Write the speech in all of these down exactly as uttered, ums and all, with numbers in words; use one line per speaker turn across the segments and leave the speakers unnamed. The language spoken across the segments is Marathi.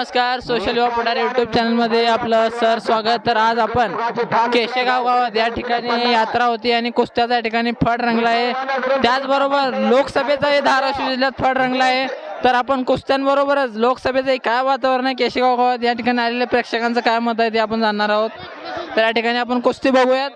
नमस्कार, सोशल युवा पुढारी यूट्यूब चॅनलमध्ये आपलं सर स्वागत. तर आज आपण केशेगाव गावात या ठिकाणी यात्रा होती आणि कुस्त्याचा या ठिकाणी फड रंगला आहे. त्याचबरोबर लोकसभेचाही धाराशिव जिल्ह्यात फड रंगला आहे. तर आपण कुस्त्यांबरोबरच लोकसभेचंही काय वातावरण आहे केशेगाव गावात या ठिकाणी आलेल्या प्रेक्षकांचं काय मत आहे ते आपण जाणणार आहोत. तर या ठिकाणी आपण कुस्ती बघूयात.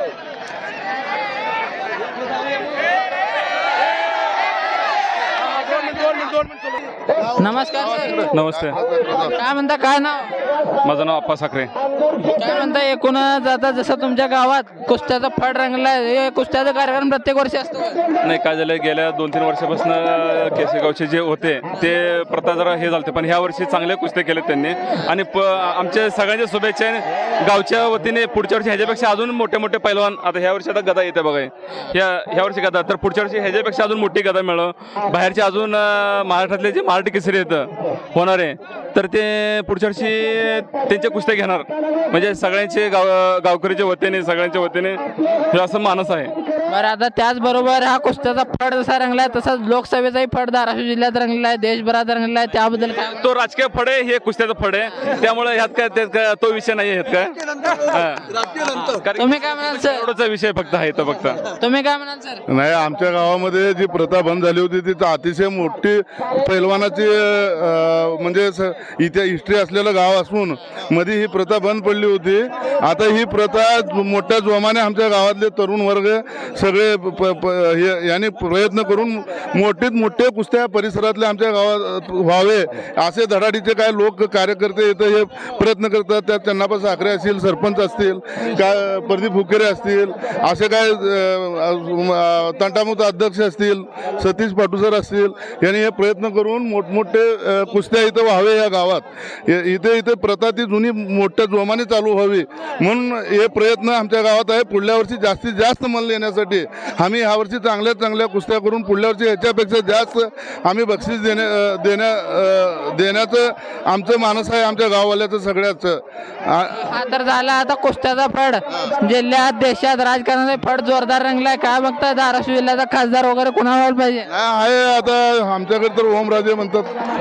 नमस्कार सर.
नमस्ते.
काय म्हणता, काय नाव?
माझं नाव अप्पा साखरे.
काय म्हणता, एकूणच आता जसं तुमच्या गावात कुस्त्याचा फड रंगला आहे, हे कुस्त्याचा कार्यक्रम प्रत्येक वर्षी असतो का?
नाही, काय झालं, गेल्या दोन तीन वर्षापासून केसेगावचे जे होते ते प्रथा जरा हे झालते, पण ह्या वर्षी चांगले कुस्ते केले त्यांनी आणि प आमच्या सगळ्यांच्या शुभेच्छा गावच्या वतीने. पुढच्या वर्षी ह्याच्यापेक्षा अजून मोठे मोठे पैलवान, आता ह्या वर्षी आता गदा येते बघा, ह्या ह्या वर्षी गदा, तर पुढच्या वर्षी ह्याच्यापेक्षा अजून मोठी गदा मिळव. बाहेरचे अजून महाराष्ट्रातले जे मराठी केसरी येतं होणारे, तर ते पुढच्या वर्षी त्यांच्या कुस्त्या घेणार. म्हणजे सगळ्यांचे गाव गावकरीच्या वतीने सगळ्यांच्या वतीने हे असं मानस आहे.
बरं, आता त्याचबरोबर हा कुस्त्याचा फड जसा रंगला आहे तसाच लोकसभेचाही फड धाराशिव जिल्ह्यात रंगला आहे, देशभरात रंगला आहे. त्याबद्दल काय?
तो राजकीय फड आहे, हे कुस्त्याचं फड आहे, त्यामुळे ह्यात काय त्यात काय तो विषय नाही ह्यात काय.
तुम्ही काय म्हणाल सर?
एवढाचा विषय फक्त आहे तो फक्त.
तुम्ही काय म्हणाल सर?
नाही, आमच्या गावामध्ये जी प्रथा बंद झाली होती ती अतिशय मोठी पैलवानाची अं, म्हणजे स- इथे हिस्ट्री असलेलं गाव असून मध्ये ही प्रथा बंद पडली होती. आता ही प्रथा मोठ्या जोमाने आमच्या गावातले तरुण वर्ग सगळे प- प- हे- यांनी प्रयत्न करून मोठीत मोठे कुस्त्या परिसरातले आमच्या गावात व्हावे असे धडाडीचे काय लोक कार्यकर्ते इथं हे प्रयत्न करतात. त्यात चन्नाप्पा साखरे असतील, सरपंच असतील, काय प्रदीप फुकेरे असतील, असे काय अं, तंटामुक्त अध्यक्ष असतील, सतीश पाटुसर असतील, यांनी हे प्रयत्न करून मोठमोठे अं, कुस्त्या इथं व्हावे या गावात. हे- इथे इथे प्रथा ती जुनी मोठ्या जोमाने चालू व्हावी म्हणून हे प्रयत्न आमच्या गावात आहे. पुढल्या वर्षी जास्तीत जास्त मन येण्यासाठी आम्ही ह्या वर्षी चांगल्या चांगल्या कुस्त्या करून पुढल्या वर्षी ह्याच्यापेक्षा जास्त आम्ही बक्षीस देण्या अं, देण्या अं, देण्याचं आमचं मानस आहे, आमच्या गाववाल्याचं सगळ्याचं.
हा तर झाला आता कुस्त्याचा फड. जिल्ह्यात देशात राजकारणाचा फड जोरदार रंगलाय. काय बघताय, धाराशिव जिल्ह्याचा खासदार वगैरे कोणावर पाहिजे?
आहे आता आमच्याकडे तर ओमराजे म्हणतात.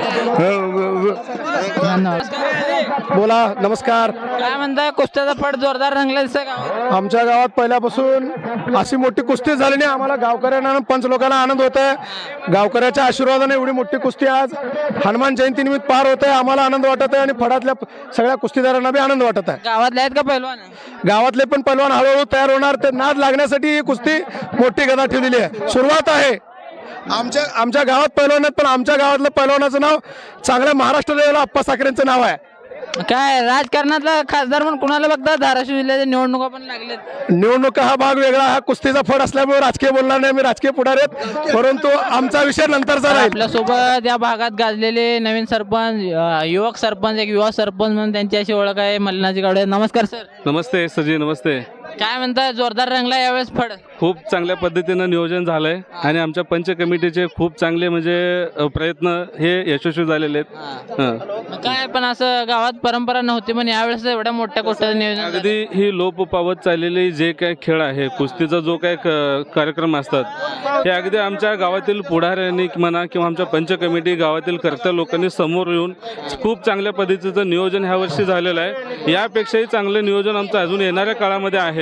बोला. नमस्कार.
काय म्हणताय, कुस्त्याचा फड जोरदार रंगला दिसतंय गावात?
आमच्या गावात पहिल्यापासून अशी मोठी कुस्ती झाली नाही. आम्हाला गावकऱ्यांना आणि पंच लोकांना आनंद होत आहे. गावकऱ्याच्या आशीर्वादाने एवढी मोठी कुस्ती आज हनुमान जयंती निमित्त पार होत आहे. आम्हाला आनंद वाटत आहे आणि फडातल्या सगळ्या कुस्तीदारांना बी आनंद वाटत आहे.
गावातले आहेत का पैलवान?
गावातले पण पैलवान हळूहळू तयार होणार. ते नाद लागण्यासाठी ही कुस्ती मोठी गदा ठेवलेली आहे. सुरुवात आहे. आमच्या आमच्या गावात पैलवान आहेत, पण आमच्या गावातलं पैलवानाचं नाव चांगल्या महाराष्ट्र लेवलला अप्पा साखरेंचं नाव आहे.
काय राजकारणातला खासदार म्हणून कुणाला बघता? धाराशिव जिल्ह्याच्या निवडणुका पण लागल्यात.
निवडणुका हा भाग वेगळा, हा कुस्तीचा फड असल्यामुळे राजकीय बोलणार नाही. मी राजकीय पुढारी आहेत, परंतु आमचा विषय नंतरचा राहील.
आपल्यासोबत या भागात गाजलेले नवीन सरपंच, अ, युवक सरपंच, एक युवा सरपंच म्हणून त्यांची अशी ओळख आहे, मल्लिनाजी गावडे. नमस्कार सर.
नमस्ते सजी. नमस्ते.
काय म्हणताय, जोरदार रंगला यावेळेस फड?
खूप चांगल्या पद्धतीनं नियोजन झालंय आणि आमच्या पंच कमिटीचे खूप चांगले म्हणजे अ, प्रयत्न हे यशस्वी झालेले आहेत. हं.
मग काय, पण असं गावात परंपरा नव्हती, पण यावेळेस एवढ्या मोठ्या गोष्टीचं नियोजन झालं.
अगदी ही लोप पावत चाललेली जे काय खेळ आहे, कुस्तीचा जो काय क- कार्यक्रम असतात, हे अगदी आमच्या गावातील पुढाऱ्यांनी म्हणा किंवा आमच्या पंच कमिटी गावातील कर्त्या लोकांनी समोर येऊन खूप चांगल्या पद्धतीचं नियोजन ह्या वर्षी झालेलं आहे. यापेक्षाही चांगलं नियोजन आमचं अजून येणाऱ्या काळामध्ये आहे.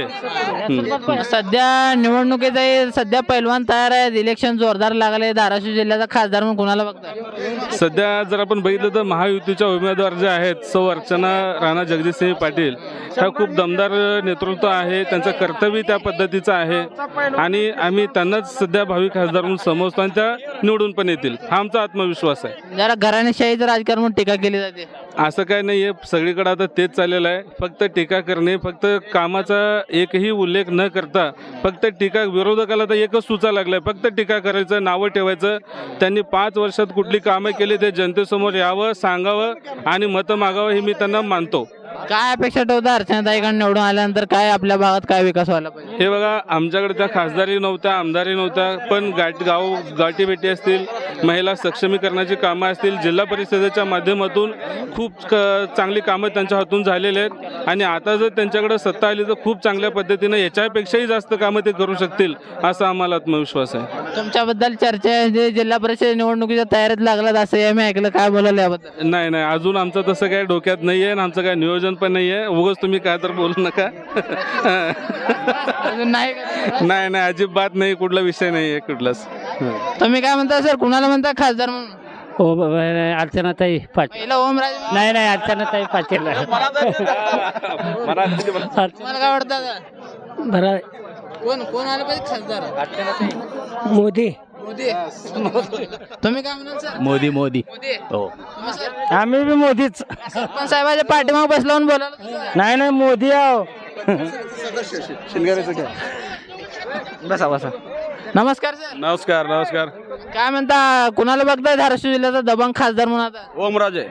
हं.
सध्या निवडणुकीचा सध्या पैलवान तयार आहेत, इलेक्शन जोरदार लागले. धाराशिव जिल्ह्याचा खासदार म्हणून कुणाला बघता?
सध्या जर आपण बघितलं तर महायुतीच्या उमेदवार जे आहेत, सौ अर्चना राणा जगदीशसिंह पाटील, ह्या खूप दमदार नेतृत्व आहे. त्यांचं कर्तव्य त्या पद्धतीचं आहे आणि आम्ही त्यांनाच सध्या भावी खासदार म्हणून समजतो आणि त्या निवडून पण येतील, हा आमचा आत्मविश्वास आहे.
जरा घराणेशाहीचं राजकारण म्हणून टीका केली जाते.
असं काय नाही आहे, सगळीकडे आता तेच चाललेलं आहे. फक्त टीका करणे, फक्त कामाचा एकही उल्लेख न करता फक्त टीका. विरोधकाला तर एकच सुचा लागलाय, फक्त टीका करायचं, नावं ठेवायचं. त्यांनी पाच वर्षात कुठली कामं केली ते जनतेसमोर यावं, सांगावं आणि मतं मागावं, हे मी त्यांना मानतो.
काय अपेक्षा ठेवता अर्चनाताईकडून निवडून आल्यानंतर? काय आपल्या भागात काय विकास व्हायला पाहिजे?
हे बघा, आमच्याकडे त्या खासदारी नव्हत्या, आमदारी नव्हत्या, पण गाठ गाव गाठीभेटी असतील, महिला सक्षमीकरणाची कामं असतील, जिल्हा परिषदेच्या माध्यमातून खूप क चांगली कामं त्यांच्या हातून झालेली आहेत आणि आता जर त्यांच्याकडे सत्ता आली तर खूप चांगल्या पद्धतीनं याच्यापेक्षाही जास्त कामं ते करू शकतील, असा आम्हाला आत्मविश्वास आहे.
तुमच्याबद्दल चर्चा आहे जे जिल्हा परिषद निवडणुकीच्या तयारीत लागलात असं हे मी ऐकलं, काय बोलायला याबद्दल?
नाही नाही अजून आमचं तसं काही डोक्यात नाही आहे आणि आमचं काही नियोजन पण नाही आहे. उगाच तुम्ही काय तर बोलू नका.
अजून नाही का?
नाही नाही अजिबात नाही, कुठला विषय नाही आहे कुठलाच.
तुम्ही काय म्हणता सर, कुणाला म्हणता खासदार म्हणून?
हो ब- ब- अर्चनाताई पाटील.
पहिला ओमराजे.
नाही नाही अर्चनाताई पाटील.
तुम्हाला काय वाटतं आता?
बरं
कोण कोण आलं पाहिजे खासदार?
मोदी.
मोदी. तुम्ही काय म्हणाल सर?
मोदी मोदी
मोदी.
हो
तुम्ही सर?
आम्ही बी मोदीच.
सरपंच साहेबाच्या पाठीमाग बसलावून बोलायला.
नाही नाही मोदी आहो.
बसा बसा
नमस्कार सर.
नमस्कार नमस्कार.
काय म्हणता, कुणाला बघताय धाराशिव जिल्ह्याचा दबंग खासदार म्हणून आता?
ओमराजे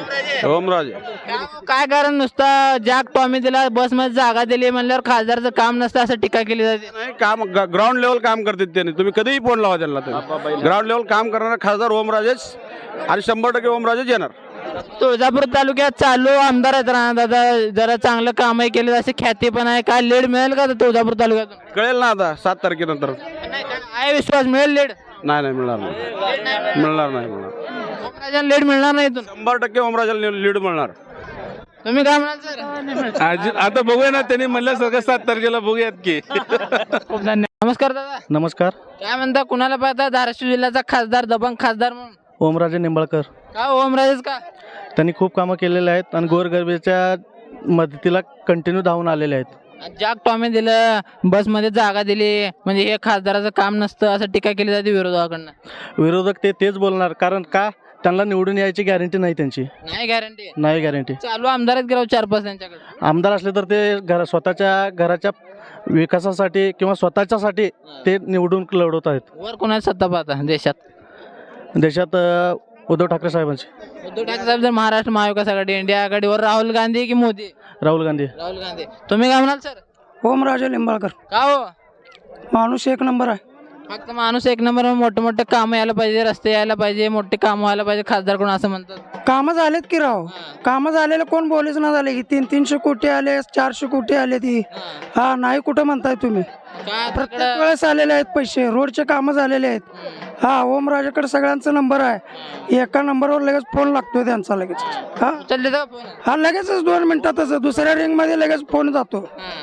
ओमराजे
काय- काय कारण नुसता जॅक टॉमी दिला, बस मध्ये जागा दिली म्हणल्यावर खासदारचं काम नसतं असं टीका केली जाते.
नाही काम ग्राउंड लेवल काम करतात त्यांनी. तुम्ही कधीही फोन लावा त्यांना. ग्राउंड लेवल काम करणारा खासदार ओमराजेच आणि शंभर टक्के ओमराजेच येणार.
तुळजापूर तालुक्यात चालू आमदार आहेत राणा दादा, जरा चांगलं कामही केलं अशी ख्याती पण आहे. काय लीड मिळेल का तुळजापूर तालुक्यातून?
कळेल ना आता सात तारखेनंतर.
नाही, काय आहे विश्वास मिळेल लीड?
नाही नाही मिळणार नाही मिळणार नाही मिळणार.
ओमराजांना लीड मिळणार नाही इथून.
शंभर टक्के ओमराजेला लीड मिळणार.
तुम्ही काय म्हणाल सर?
आज आता बघूया ना, त्यांनी म्हणल्यासारखं सात तारखेला बघूयात की.
खूप धन्यवाद. नमस्कार दादा.
नमस्कार.
काय म्हणता, कुणाला पाहता धाराशिव जिल्ह्याचा खासदार दबंग खासदार म्हणून?
ओमराजे निंबाळकर.
का ओमराजेच का?
त्यांनी खूप कामं केलेले आहेत आणि गोरगरिबाच्या मदतीला कंटिन्यू धावून आलेले आहेत.
जॅक टॉमी दिलं, बसमध्ये जागा दिली, म्हणजे हे खासदाराचं काम नसतं असं टीका केली जाते विरोधकाकडनं.
विरोधक ते तेच बोलणार, कारण का त्यांना निवडून यायची गॅरंटी नाही त्यांची.
नाही गॅरंटी.
नाही गॅरंटी.
चालू आमदारच गेलो चार पाच त्यांच्याकडे.
आमदार असले तर ते घर स्वतःच्या घराच्या विकासासाठी किंवा स्वतःच्यासाठी ते निवडून लढवत आहेत.
वर कोणाची सत्ता पाहता देशात?
देशात अ, उद्धव ठाकरे साहेबांची.
उद्धव ठाकरे साहेब जर महाराष्ट्र महाविकास आघाडी, इंडिया आघाडीवर राहुल गांधी की मोदी?
राहुल गांधी.
राहुल गांधी. तुम्ही काय म्हणाल सर?
ओमराजे निंबाळकर.
का हो?
माणूस एक नंबर आहे.
फक्त माणूस एक नंबर, मोठे मोठे कामं यायला पाहिजे, रस्ते यायला पाहिजे, मोठे कामं व्हायला पाहिजे खासदार कोण असं म्हणतात.
कामं झालेत की राव. कामं झालेले कोण बोलीच ना झाले की तीन तीनशे कोटी आले, चारशे कोटी आले ती. हा नाही कुठं म्हणताय तुम्ही.
काय
प्रत्येक
तिकडं-
वेळेस आलेले आहेत पैसे, रोडचे कामं झालेले आहेत. हा ओमराजेकडे सगळ्यांचा नंबर आहे. एका नंबरवर लगेच फोन लागतोय त्यांचा लगेच. हा
उचलले का फोन?
हा लगेचच दोन मिनिटातच दुसऱ्या रिंग मध्ये लगेच फोन जातो.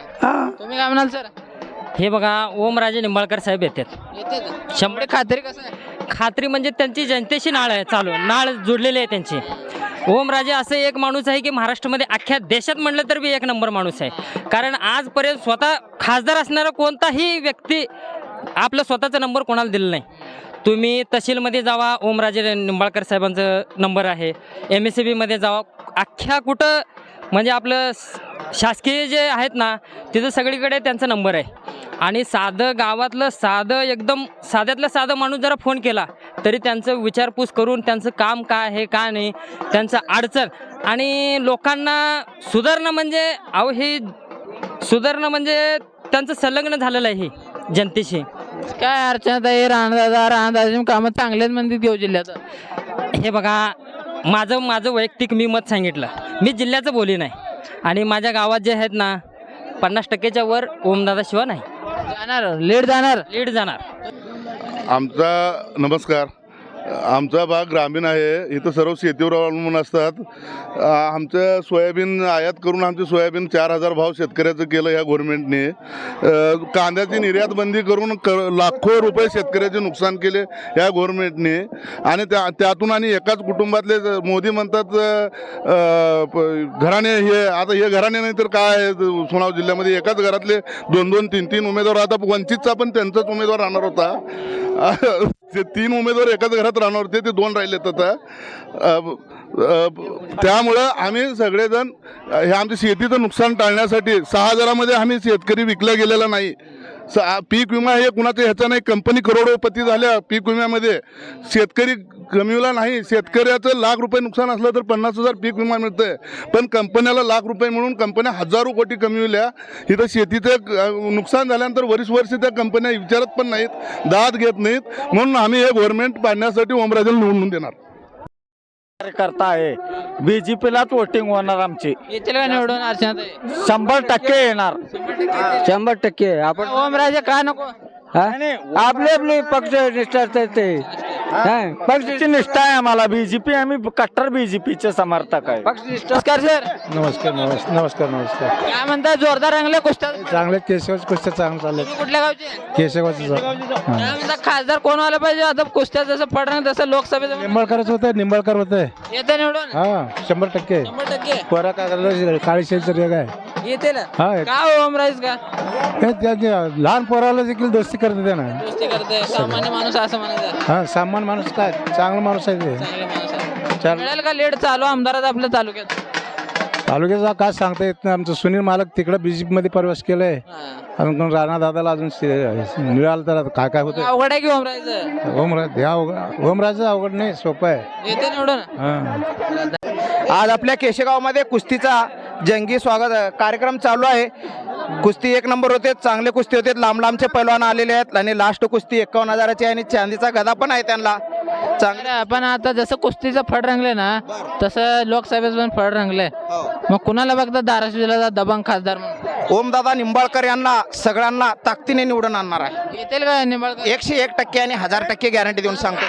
हा
तुम्ही काय म्हणाल सर?
हे बघा ओमराजे निंबाळकर साहेब येतात.
येते का?
शंभर
खात्री कसं आहे?
खात्री म्हणजे त्यांची जनतेशी नाळ आहे, चालू नाळ जोडलेली आहे त्यांची. ओमराजे असं एक माणूस आहे की महाराष्ट्रामध्ये अख्ख्या देशात म्हणलं तर बी एक नंबर माणूस आहे. कारण आजपर्यंत स्वतः खासदार असणारा कोणताही व्यक्ती आपला स्वतःचा नंबर कोणाला दिला नाही. तुम्ही तहसीलमध्ये जावा, ओमराजे निंबाळकर साहेबांचं नंबर आहे. एम एस सी बीमध्ये जावा, अख्ख्या कुठं म्हणजे आपलं शासकीय जे आहेत ना तिथं सगळीकडे त्यांचा नंबर आहे. आणि साधं गावातलं साधं एकदम साध्यातलं साधं माणूस जरा फोन केला तरी त्यांचं विचारपूस करून त्यांचं काम काय आहे काय नाही, त्यांचं अडचण आणि लोकांना सुधारणं म्हणजे अहो हे सुधारणं म्हणजे त्यांचं संलग्न झालेलं आहे हे जनतेशी.
काय अर्चनाताई, राणादादा राणादादाची कामं चांगले आहेत म्हणतात घेऊ जिल्ह्यात.
हे बघा माझं माझं वैयक्तिक मी मत सांगितलं, मी जिल्ह्याचं बोली नाही आणि माझ्या गावात जे आहेत ना पन्नास टक्केच्या वर ओमदादा शिवाय नाही.
जाणार लीड जाणार
लीड जाणार.
आमचा नमस्कार. आमचा भाग ग्रामीण आहे. इथं सर्व शेतीवर अवलंबून असतात. आ, आमचं सोयाबीन आयात करून आमचे सोयाबीन चार हजार भाव शेतकऱ्याचं केलं ह्या गव्हर्नमेंटने. अ, कांद्याची निर्यात बंदी करून क लाखो रुपये शेतकऱ्याचे नुकसान केले ह्या गव्हर्नमेंटने. आणि त्या त्यातून आणि एकाच कुटुंबातले ज- मोदी म्हणतात अ, प- घराणे हे आता हे घराणे नाही तर काय आहे, सोनाव जिल्ह्यामध्ये एकाच घरातले दोन दोन तीन तीन उमेदवार. आता वंचितचा पण त्यांचाच उमेदवार राहणार होता. अ, ते तीन उमेदवार एकाच घरात राहणार होते, ते दोन राहिलेत आता. अ, अ, त्यामुळं आम्ही सगळेजण हे आमच्या शेतीचं नुकसान टाळण्यासाठी सहा हजारामध्ये आम्ही शेतकरी विकला गेलेला नाही. स पीक विमा हे कुणाचं ह्याचा नाही. कंपनी करोडोपती झाल्या पीक विम्यामध्ये, शेतकरी कमीवला नाही. शेतकऱ्याचं लाख रुपये नुकसान असलं तर पन्नास हजार पीक विमा मिळतंय, पण कंपन्याला लाख रुपये मिळून कंपन्या हजारो कोटी कमीवल्या. इथं शेतीचं नुकसान झाल्यानंतर वर्ष वर्ष त्या कंपन्या विचारत पण नाहीत, दाद घेत नाहीत. म्हणून आम्ही हे गव्हर्नमेंट पाडण्यासाठी ओमराजेला निवडून देणार.
कार्यकर्ता आहे. बीजेपीलाच वोटिंग होणार आमची.
येतील का निवडून अर्चनाताई?
शंभर टक्के येणार. शंभर टक्के आपण
ओमराजे का नको?
आपली आपली पक्ष निष्ठा ते पक्षाची निष्ठा आहे आम्हाला. बीजेपी आम्ही कट्टर बीजेपीचे समर्थक आहे.
पक्ष नमस्कार सर.
नमस्कार नमस्कार नमस्कार नमस्कार
काय म्हणता जोरदार रंगले कुस्त्या
चांगले केशवाची कुस्त्या चांगलं चालले.
तुम्ही कुठल्या गावचे?
केशवाचं
काय म्हणता खासदार कोण आलं पाहिजे आता कुस्त्या जसं फडरंग तसं लोकसभेचं
निंबाळकरच होत निंबाळकर होत
येते निवडून
हा शंभर टक्के.
शंभर टक्के
पोरा काय काळीशेचं रेग आहे.
येते ना.
हा
का ओमराज का
हे त्या- लहान पोराला देखील दोस्ती करते त्या ना.
दोस्ती करते सामान्य माणूस असं म्हणायचं.
हा सामान माणूस काय चांगला माणूस आहे ते.
चांगला माणूस आहे. मिळेल का लेट चालू आमदारात आपल्या तालुक्यात?
तालुक्याचा काय सांगता येत नाही. आमचं सुनील मालक तिकडे बीजेपी मध्ये प्रवेश केलाय.
हा.
अजून राणा दादाला अजून मिळालं तर आता काय काय होतं.
अवघड आहे की ओमराज
ओमराज ह्या अवघड ओमराजचं अवघड नाही सोपं आहे.
येते निवडून.
हा
आज आपल्या केशेगावमध्ये कुस्तीचा जंगी स्वागत कार्यक्रम चालू आहे. कुस्ती एक नंबर होते, चांगले कुस्ती होते, लांब लांबचे पैलवान आलेले आहेत आणि लास्ट कुस्ती एकावन्न हजाराची आहे आणि चांदीचा गदा पण आहे त्यांना चांगले.
आपण आता जसं कुस्तीचं फड रंगले ना तसं लोकसभेचं पण फड रंगलंय. मग कुणाला बघता धाराशिव जिल्ह्याचा दबंग खासदार म्हणून?
ओमदादा निंबाळकर यांना सगळ्यांना ताकदीने निवडून आणणार आहे.
येतील का निंबाळकर?
एकशे एक टक्के आणि हजार टक्के गॅरंटी देऊन सांगतो.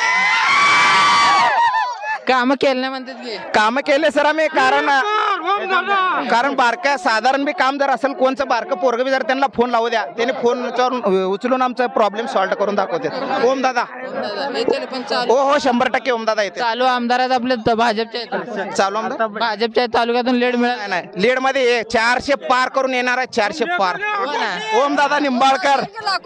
कामं केलं नाही म्हणतात की.
काम केले सर आम्ही कारण कारण बारक्या साधारण बी काम जर असेल कोणचं बारकं पोरग बी जर त्यांना फोन लावू द्या त्याने फोन उचलून आमचा प्रॉब्लेम सॉल्व्ह करून दाखवते. ओमदादा
येतील पण
हो
चालू
हो शंभर टक्के ओमदादा येते.
चालू आमदारात आपले त- भाजपच्या आहेत.
चालू आमदार
भाजपच्या तालुक्यातून लेड मिळाल
नाही नाही लीड मध्ये चारशे पार करून येणार आहे. चारशे पार ओमदादा निंबाळकर.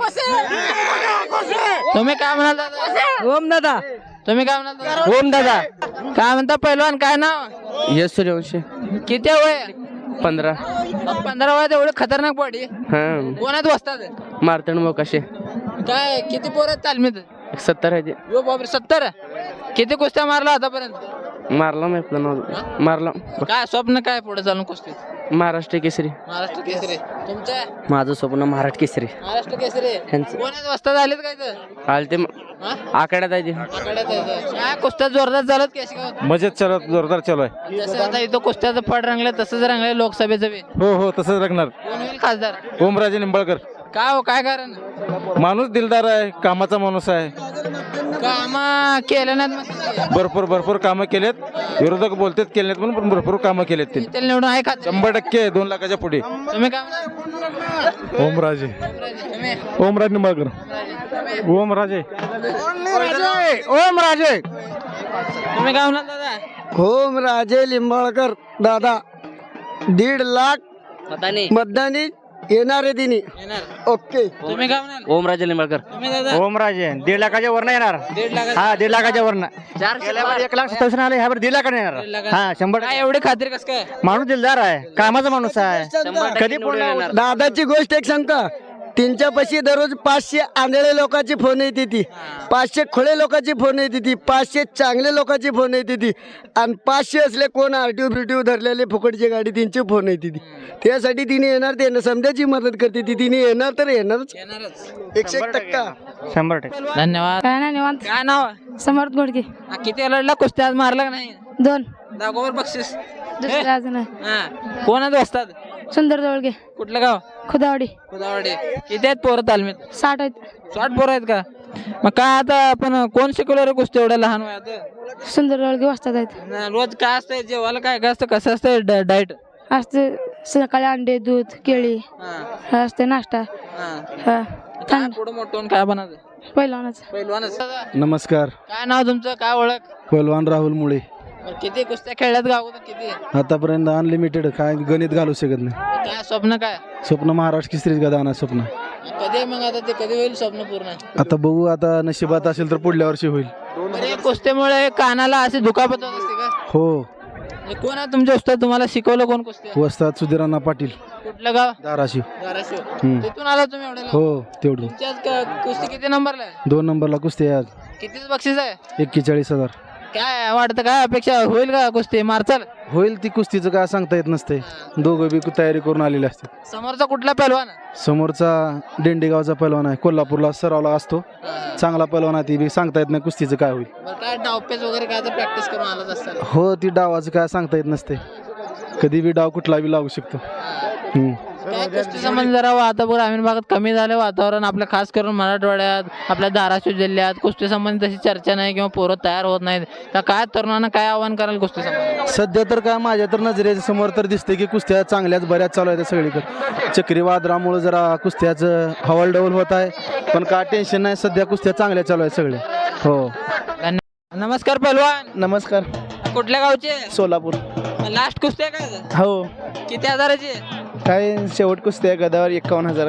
तुम्ही काय म्हणाल दादा?
ओम दादा.
तुम्ही काय म्हणाल दादा?
ओम दादा.
काय म्हणता पहिलवान काय नाव?
यश सूर्यवंशी.
किती वय?
पंधरा.
पंधरा वयात एवढे खतरनाक बॉडी
हा
कोणात बसतात?
मारतण मोकाशे.
काय किती पोरं तालमीत?
सत्तर आहे ते.
यो बापरे सत्तर. किती कुस्त्या मारला आतापर्यंत?
मारला मी आपलं नाव मारला.
काय स्वप्न काय पुढे चालून कुस्तीत?
महाराष्ट्र केसरी.
महाराष्ट्र केसरी. तुमचं
माझं स्वप्न महाराष्ट्र केसरी.
महाराष्ट्र केसरी.
ह्यांचं.
कोणाच वस्तात आलेत काय तर?
आले ते
हा?
आकड्यात आहे ते.
आखाड्यात आहे तर. काय कुस्त्या जोरदार चालत केशगावात?
मजेत चालत जोरदार चालू आहे.
जसं आता इथं कुस्त्याचं फड रंगलं तसंच रंगलं लोकसभेचं बी.
हो हो तसंच लागणार.
कोण होईल खासदार?
ओमराजे निंबाळकर
काय हो काय कारण?
माणूस दिलदार आहे, कामाचा माणूस आहे.
काम केलं नाहीत मग
भरपूर भरपूर कामं केलेत. विरोधक बोलतात केले नाहीत म्हणून पण भरपूर कामं केलेत त्यांनी.
इथे निवडून आहे खात.
शंभर टक्के दोन लाखाच्या पुढे.
तुम्ही काय म्हणाल?
ओमराजे
तुम्ही?
ओमराज निंबाळकर ओमराजे
ओमराजे
तुम्ही काय म्हणाल दादा?
ओमराजे लिंबाळकर दादा दीड लाख मतदानी येणारे दिनी.
येणार.
ओके.
तुम्ही काय म्हणाल?
ओमराजे लिंबाळकर.
तुम्ही दादा?
ओमराजे दीड लाखाच्या वर येणार.
दीड लाख.
हा दीड लाखाच्या वर
चारशे
एक लाख सत्तावीस आले ह्यावर दीड लाखाने
दीड
येणार.
लाखाने.
हा शंभर
काय एवढी खात्री कस काय?
माणूस दिलदार आहे, कामाचा माणूस आहे. कधी पण
दादाची गोष्ट एक सांगता त्यांच्या पाशी दररोज पाचशे आंधळे लोकांची फोन येते ती, पाचशे खोळे लोकांची फोन येते ती, पाचशे चांगले लोकांची फोन येते ती आणि पाचशे असले कोण आरटीओ बिरटीओ धरलेले फुकटची गाडी त्यांची फोन येते ती. त्यासाठी तिने येणार ते समजायची मदत करते ती. तिने येणार तर येणारच
येणारच.
एकशे एक टक्का.
शंभर टक्के.
धन्यवाद.
काय नाही निवांत.
काय नाव?
समर्थ घोडके.
हा, किती लढला कुस्त्या आज मारला का नाही?
दोन.
दाखवर बक्षीस.
दुसरे अजून आहे.
हा कोणाच बसतात?
सुंदर जवळगे.
कुठलं गाव?
खुदावडी.
खुदावडे. किती आहेत पोरं तालमीत?
साठ आहेत.
साठ पोरं आहेत का? मग काय आता आपण कोण शिकवलं रे कुस्ती एवढ्या लहान वयात?
सुंदर जवळगे वाजतात आहेत.
न, रोज काय असतंय जेवायला काय काय असतं कसं असतं डाएट?
असते सकाळी अंडे दूध केळी हा असते नाश्ता. हा
काय पुढं मोठं काय बनायचं?
पहिलवानच.
पहिलवानच.
नमस्कार.
काय नाव तुमचं? काय ओळख?
पहिलवान राहुल मुळे.
बरं, किती कुस्त्या खेळल्यात गाव किती?
आतापर्यंत अनलिमिटेड काय गणित घालू शकत नाही.
काय स्वप्न काय?
स्वप्न महाराष्ट्र केसरीच गदा आणा स्वप्न.
कधी आहे मग आता ते कधी होईल स्वप्न पूर्ण?
आता बघू आता नशिबात असेल तर पुढल्या वर्षी होईल.
बरं, या कुस्त्यामुळे कानाला अशी दुखापत होत असते का?
हो.
म्हणजे कोण आहे तुमचे उस्ताद? तुम्हाला शिकवलं कोण कुस्ती?
वस्ताद सुधीरांना पाटील
कुठलं गाव?
धाराशिव.
धाराशिव.
हम्म.
तिथून आला तुम्ही एवढ्या लांब?
हो तेवढी.
तुमची आज क- कुस्ती किती नंबरला आहे?
दोन नंबरला कुस्ती आहे आज.
कितीच बक्षीस आहे?
एक्केचाळीस हजार.
काय वाटतं काय अपेक्षा होईल का कुस्ती मारचाल?
होईल ती कुस्तीचं काय सांगता येत नसते. दोघं बी तयारी करून आलेले असतात.
समोरचा कुठला पहिलवान?
समोरचा डेंडेगावचा पैलवान आहे, कोल्हापूरला सरावला असतो. चांगला पैलवान आहे, ती बी सांगता येत नाही कुस्तीचं काय होईल.
बरं, काय डावपेच वगैरे काय तर प्रॅक्टिस करून आलाच असतात?
हो ती डावाचं काय सांगता येत नसते. कधी बी डाव कुठला बी लागू शकतो. हम्म.
काय कुस्ती संबंध जरा आता ग्रामीण भागात कमी झालं वातावरण आपल्या खास करून मराठवाड्यात आपल्या धाराशिव जिल्ह्यात कुस्ती संबंधी तशी चर्चा नाही किंवा पोरं तयार होत नाहीत तर काय तरुणांना काय आव्हान कराल कुस्ती संबंधी?
सध्या तर काय माझ्या तर नजरेच्या समोर तर दिसते की कुस्त्या चांगल्याच बऱ्याच चालू आहेत सगळीकडे. चक्रीवादळामुळे जरा कुस्त्याचं हवालडवल होत आहे, पण काय टेन्शन नाही, सध्या कुस्त्या चांगल्या चालू आहेत सगळे. हो.
धन्यवाद. नमस्कार पहलवान,
नमस्कार.
कुठल्या गावचे?
सोलापूर.
लास्ट कुस्ती आहे काय?
हो.
किती हजाराची?
काय शेवट कुस्ती आहे गदावर एकावन्न हजार.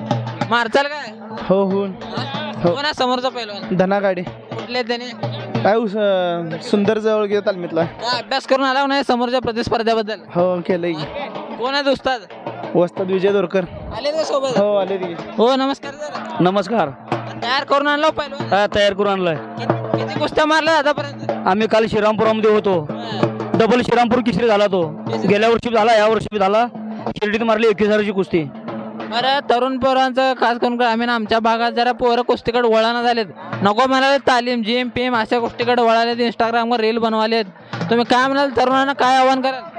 मारचाल काय?
हो हो.
कोण आहे समोरचा पहलवान?
धना गाडी.
कुठले आहेत त्याने?
काय उस- सुंदर जवळ घेत तालमीतला.
काय अभ्यास करून आला नाही समोरच्या प्रतिस्पर्ध्याबद्दल?
हो केलंय.
कोण आहेत उस्ताद?
वस्ताद विजय दोरकर.
आले का सोबत?
हो आले ती.
हो नमस्कार सर.
नमस्कार.
तयार करून आणलो पहलवान?
हा तयार करून आणलाय.
किती किती कुस्त्या मारल्या आतापर्यंत?
आम्ही काल श्रीरामपुरामध्ये होतो. डबल श्रीरामपूर किसरी झाला तो. गेल्या वर्षी झाला, या वर्षी झाला. शिर्डीत मारली एकवीस हजाराची कुस्ती.
बरं तरुण पोरांचं खास करून ग्रामीण आमच्या भागात जरा पोरं कुस्तीकडे वळाना झालेत. नको म्हणाले तालीम जिम पेम अशा गोष्टीकडे वळालेत, इंस्टाग्रामवर रील बनवालेत. तुम्ही काय म्हणाल तरुणांना काय आव्हान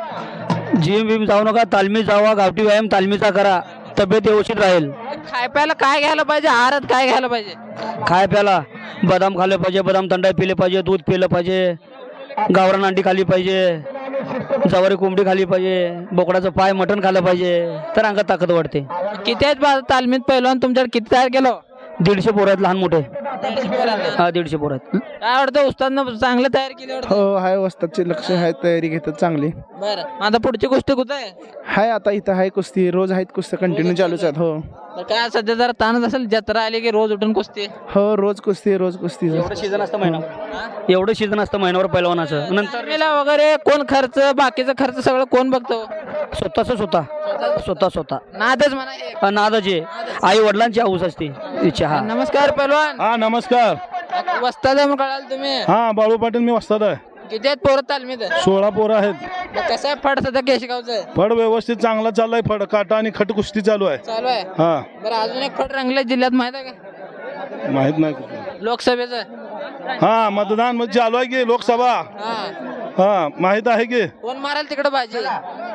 कराल?
जिम बिम जाऊ नका, तालमीत जावा, गावठी व्यायाम तालमीचा करा, तब्येत व्यवस्थित राहील.
खाय प्यायला काय घ्यायला पाहिजे? आहारात काय घ्यायला पाहिजे?
खाय प्याला बदाम खाल्ले पाहिजे, बदाम थंडाई पिले पाहिजे, दूध पिलं पाहिजे, गावरान अंडी खाल्ली पाहिजे, जवारी कोंबडी खाल्ली पाहिजे, बोकडाचं पाय मटण खाल्लं पाहिजे, तर अंगात ताकद वाढते.
किती आहेत बा- तालमीत पहिलवान तुमच्याकडे? किती तयार केलं?
दीडशे पोरं आहेत लहान मोठे.
दीडशे पोरांना.
हा दीडशे पोरं आहेत.
काय वाटतं उस्तादनं चांगलं तयार केलं वाटतं?
हो हाय वस्तादचे लक्ष आहे, तयारी घेतात चांगली.
बरं आता पुढची गोष्ट कुठं आहे?
हाय आता इथं हाय कुस्ती रोज आहेत कुस्ती कंटिन्यू चालूच आहेत. हो
तर काय सध्या जरा ताणच असेल, जत्रा आली की रोज उठून कुस्ती.
हो रोज कुस्ती रोज कुस्ती. एवढं सीझन असतं महिना एवढं सीझन असतं महिन्यावर पहिलवानाचं. नंतर
मेला वगैरे कोण खर्च बाकीचा खर्च सगळं कोण बघतो?
स्वतःच स्वतः स्वतः स्वतः
नादच म्हणा हे.
हा, नादाचे आई वडिलांची हाऊस असते इच्छा. हा
नमस्कार पहलवान.
हा नमस्कार.
वस्ताद आहे म्हणून कळाल तुम्ही?
हा बाळू पाटील मी वस्ताद आहे.
किती आहेत पोरं तालमीत?
सोळा पोरं आहेत.
मग कसं आहे फड सध्या केशगावचं?
फड व्यवस्थित चांगला चाललाय. फड काटा आणि खट कुस्ती चालू आहे.
चालू आहे.
हा
बरं अजून एक फड रंगले जिल्ह्यात माहित आहे का?
माहित नाही कुठलं.
लोकसभेचं.
हा मतदान म्हणजे चालू आहे की लोकसभा.
हा
हा माहित आहे की
कोण माराल तिकडे बाजी?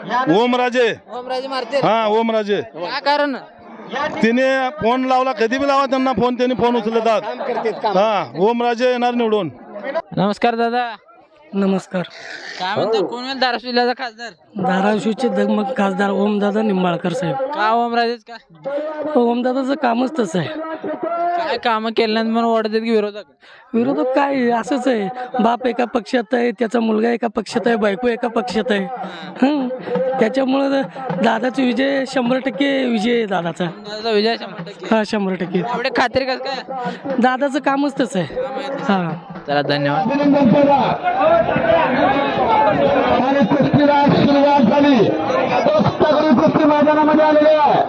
ओमराजे.
ओमराजे मारते.
हा ओमराजे.
काय कारण?
तिने फोन लावला, कधी बी लावा त्यांना फोन, त्यांनी फोन उचलतात. हा ओमराजे येणार निवडून.
नमस्कार दादा.
नमस्कार.
काय म्हणतो कोण होईल धाराशिव जिल्ह्याचा खासदार?
धाराशिवचे दगमग खासदार ओमदादा निंबाळकर साहेब.
का ओमराजेच का?
ओमदादाचं कामच तसं आहे.
काय कामं केलं नाही म्हणून ओढतात की विरोधक?
विरोधक काय असंच आहे, बाप एका पक्षात आहे, त्याचा मुलगा एका पक्षात आहे, बायको एका पक्षात आहे. हं त्याच्यामुळं दादाचा विजय शंभर टक्के विजय आहे दादाचा.
दादाचा विजय शंभर टक्के.
हा शंभर टक्के.
एवढे खात्री कसं काय?
दादाचं कामच तसं आहे. हा
चला धन्यवाद.
आणि कुस्तीला सुरुवात झाली. सगळी कुस्ती मैदानामध्ये आलेली आहे.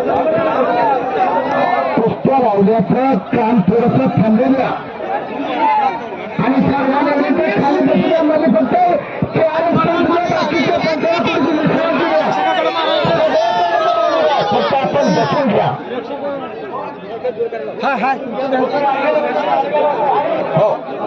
कुस्त्या लावल्याचं काम थोडंसं थांबलेलं आणि खाली बसल्यामध्ये फक्त आपण बसून घ्या. हा हा हो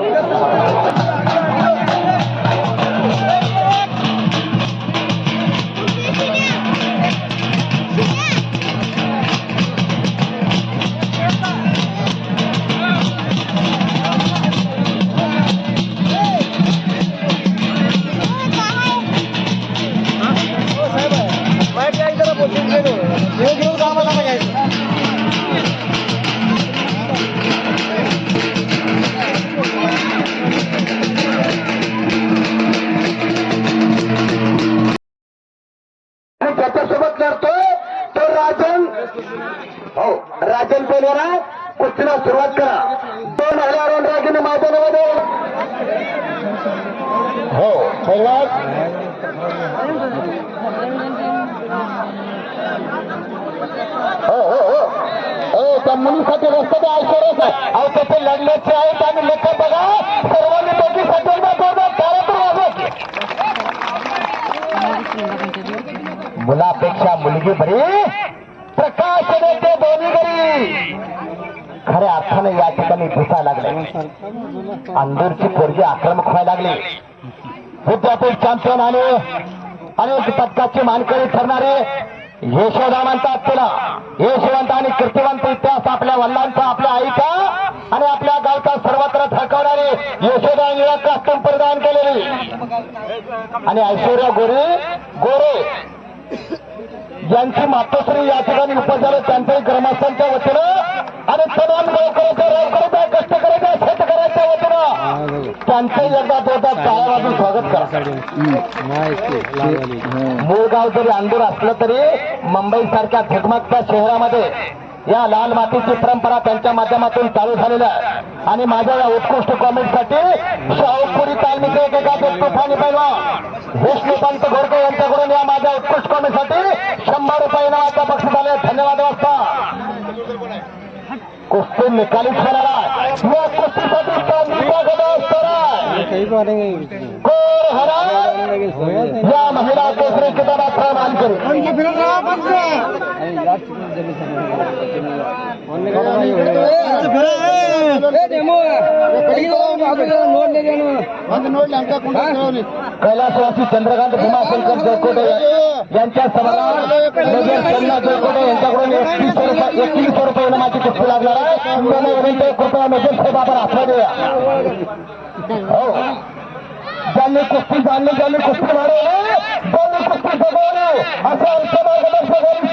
त्याच्यासोबत लढतोय तो राजन. हो राजन पेलवाना कुस्तीला सुरुवात करा. दोन हजार राजन मैदानामध्ये. हो पैलवान हो हो हो हो त्या मुलीसाठी रस्त्याने ऐश्वर्याच आहे. अहो त्याचे लढण्याचे आहेत आणि लेखा बघा सर्वांनी त्याची मुलापेक्षा मुलगी बरी प्रकाश देते दोन्ही घरी. खऱ्या अर्थाने या ठिकाणी दिसायला लागले. अंदरची पोरगी आक्रमक व्हायला लागली. विद्यापीठ चॅम्पियन आणि अनेक पदकाचे मानकरी ठरणारे
यशोदा म्हणतात तिला यशवंत आणि कीर्तिवंत इतिहास आपल्या वडिलांचा, आपल्या आईचा आणि आपल्या गावचा सर्वत्र थकवणारी यशोदा निळा कास्टूम परिधान केलेली आणि ऐश्वर्या गोरे गोरे ज्यांची मातोश्री या ठिकाणी उपस्थित झाले त्यांच्याही ग्रामस्थांच्या वतीनं आणि तमाम गावकऱ्याच्या रावकऱ्याच्या कष्टकऱ्याच्या शेतकऱ्याच्या वतीनं त्यांचंही एकदा जोरदार टाळ्या वाजून स्वागत करा. मूळ गाव जरी अंदूर असलं तरी मुंबई सारख्या झगमगत्या शहरामध्ये या लाल मातीची परंपरा त्यांच्या माध्यमातून चालू झालेल्या आहे आणि माझ्या या उत्कृष्ट कॉमेंटसाठी शाहूपुरी तालमीचे एकेका तुफानी पैलवान विष्णुकांत गोरके यांच्याकडून या माझ्या उत्कृष्ट कॉमेंटसाठी शंभर रुपये नावाचा बक्षीस आले. धन्यवाद. वाजता कुस्ती निकालीच होणार आहे. या कुस्तीसाठी तालमीचा गदा असणार आहे. कोर हरा या महिला केसरी किताबाचा मानकरी कैलासवासी चंद्रकांत भीमाशंकर जयकोटे यांच्या समोर जयकोटे यांच्याकडून एकवीसशे रुपये एकवीसशे रुपये इनामाची कुस्ती लागणार आहे. त्यांना विनंती कृपया मेजर साहेब आपण आठवण द्या. हो ज्यांनी कुस्ती जाणली ज्यांनी कुस्ती मारवली ज्यांनी कुस्ती जगवली असं आमच्या मार्गदर्शक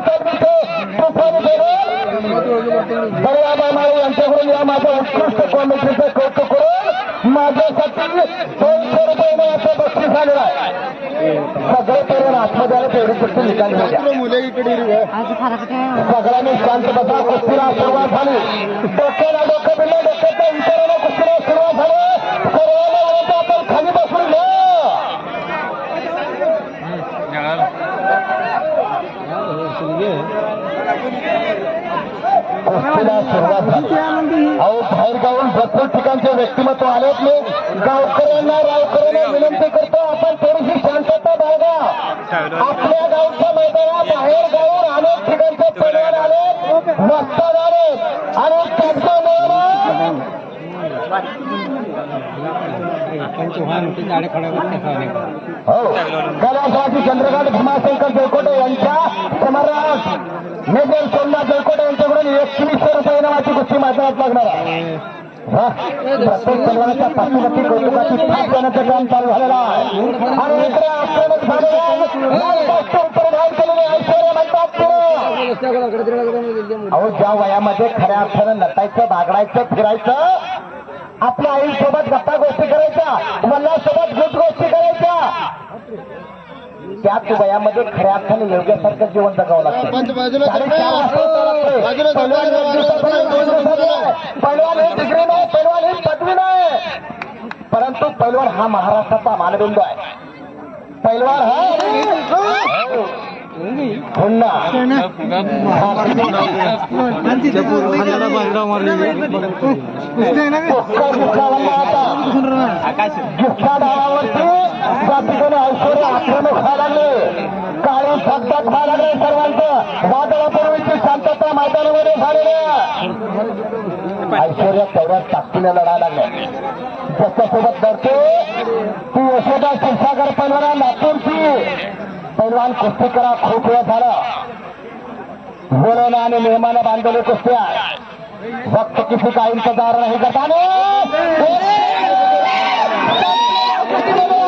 बळीराजा माळे यांच्याकडून या माझ्या उत्कृष्ट कॉमेंट्रीचं कौतुक करून माझ्यासाठी दोनशे रुपये मिळाचं बक्षीस आलेलं आहे. सगळे तरुण आत्मद्याला तेवढी कुस्ती निकाली सगळ्यांनी शांत बसा. कुस्तीला सुरुवात झाली. डोक्याला डोकं दिलं डोक्याच्या विचाराला कुस्तीला सुरुवात झाली. सर्वांना विनंती आपण खाली बसून घ्या. कुस्तीला सुरुवात झाली. अहो बाहेर गावून भरपूर ठिकाणचे व्यक्तिमत्व आलेत. मी गावकऱ्यांना रावकऱ्यांना विनंती करतो आपण थोडीशी शांतता बाळगा. आपल्या गावच्या मैदानात बाहेर गावून अनेक ठिकाणचे पैलवान आले मस्ताद आले आणि त्यांचं हो कैलासवासी चंद्रकांत भीमाशंकर जयकोटे यांच्या समोरात मेजर सोमनाथ जयकोटे यांच्याकडून एकवीसशे रुपये इनामाची कुस्ती मैदानात लागणार आहे. प्रत्येक पैलवानाच्या पाठीवरती कौतुकाची थाप देण्याचं काम चालू झालेलं आहे आणि इकडे आक्रमक परिधान केलेले ऐश्वर्या म्हणतात अहो ज्या वयामध्ये खऱ्या अर्थानं नटायचं बागडायचं फिरायचं आपल्या आईसोबत गप्पा गोष्टी करायच्या वडिलांसोबत गुट गोष्टी करायच्या त्याच वयामध्ये खऱ्या अर्थाने योग्यासारखं जीवन जगावं लागतं. पैलवान ही डिग्री नाही पैलवान ही पदवी नाही परंतु पैलवान हा महाराष्ट्राचा मानबिंदू आहे. पैलवान हा पुन्हा ऐश्वर्य आक्रमक व्हायला लागले. काळी फटक व्हायला लागले. सर्वांचं वादळापूर्वीची शांतता मैदानामध्ये झालेली आहे. ऐश्वर्या तेवढ्याच ताकदीने लढायला लागले. ज्याच्यासोबत लढते ती यशोदा क्षीरसागर पैलवान लातूरची पैलवान कुस्ती करा. खूप वेळ झालं. बोलवणं आणि नियमानं बांधलेली कुस्ती आहे. वक्त किसी का इंतजार नाही करता